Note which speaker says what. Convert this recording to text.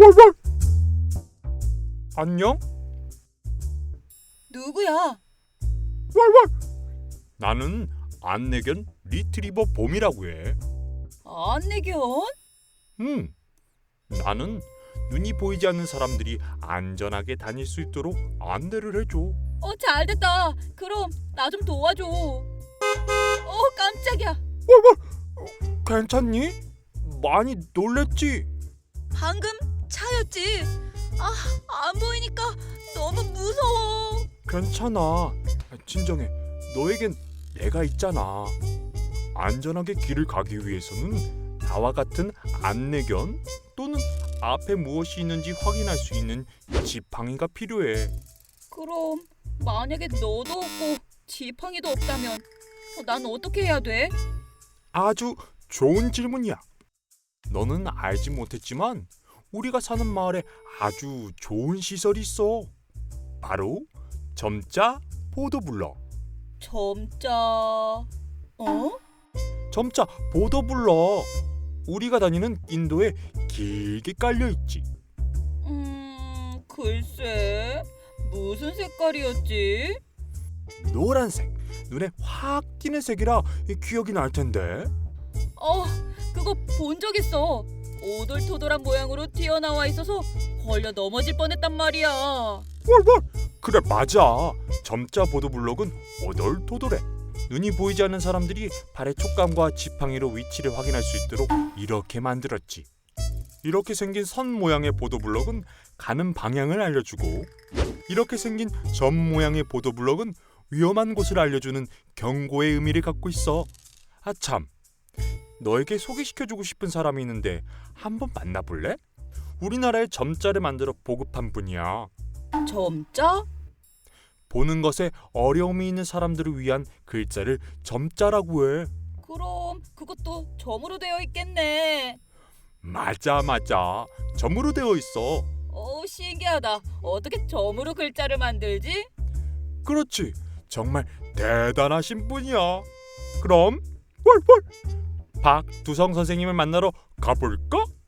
Speaker 1: 왈왈. 안녕?
Speaker 2: 누구야?
Speaker 1: 왈왈. 나는 안내견 리트리버 봄이라고 해.
Speaker 2: 안내견?
Speaker 1: 나는 눈이 보이지 않는 사람들이 안전하게 다닐 수 있도록 안내를 해줘.
Speaker 2: 잘됐다. 그럼 나 좀 도와줘. 깜짝이야.
Speaker 1: 괜찮니? 많이 놀랬지?
Speaker 2: 방금 차였지? 안 보이니까 너무 무서워.
Speaker 1: 괜찮아. 진정해. 너에겐 내가 있잖아. 안전하게 길을 가기 위해서는 나와 같은 안내견 또는 앞에 무엇이 있는지 확인할 수 있는 지팡이가 필요해.
Speaker 2: 그럼 만약에 너도 없고 지팡이도 없다면 난 어떻게 해야 돼?
Speaker 1: 아주 좋은 질문이야. 너는 알지 못했지만 우리가 사는 마을에 아주 좋은 시설이 있어. 바로 점자 보도블럭.
Speaker 2: 점자...
Speaker 1: 점자 보도블럭. 우리가 다니는 인도에 길게 깔려 있지.
Speaker 2: 글쎄... 무슨 색깔이었지?
Speaker 1: 노란색. 눈에 확 띄는 색이라 기억이 날 텐데.
Speaker 2: 그거 본 적 있어. 오돌토돌한 모양으로 튀어나와 있어서 걸려 넘어질 뻔했단 말이야.
Speaker 1: 왈왈. 그래 맞아. 점자 보도블럭은 오돌토돌해. 눈이 보이지 않는 사람들이 발의 촉감과 지팡이로 위치를 확인할 수 있도록 이렇게 만들었지. 이렇게 생긴 선 모양의 보도블럭은 가는 방향을 알려주고, 이렇게 생긴 점 모양의 보도블럭은 위험한 곳을 알려주는 경고의 의미를 갖고 있어. 참, 너에게 소개시켜주고 싶은 사람이 있는데 한번 만나볼래? 우리나라에 점자를 만들어 보급한 분이야.
Speaker 2: 점자?
Speaker 1: 보는 것에 어려움이 있는 사람들을 위한 글자를 점자라고 해.
Speaker 2: 그럼 그것도 점으로 되어 있겠네.
Speaker 1: 맞아. 점으로 되어 있어.
Speaker 2: 신기하다. 어떻게 점으로 글자를 만들지?
Speaker 1: 그렇지. 정말 대단하신 분이야. 그럼 왈왈 박두성 선생님을 만나러 가볼까?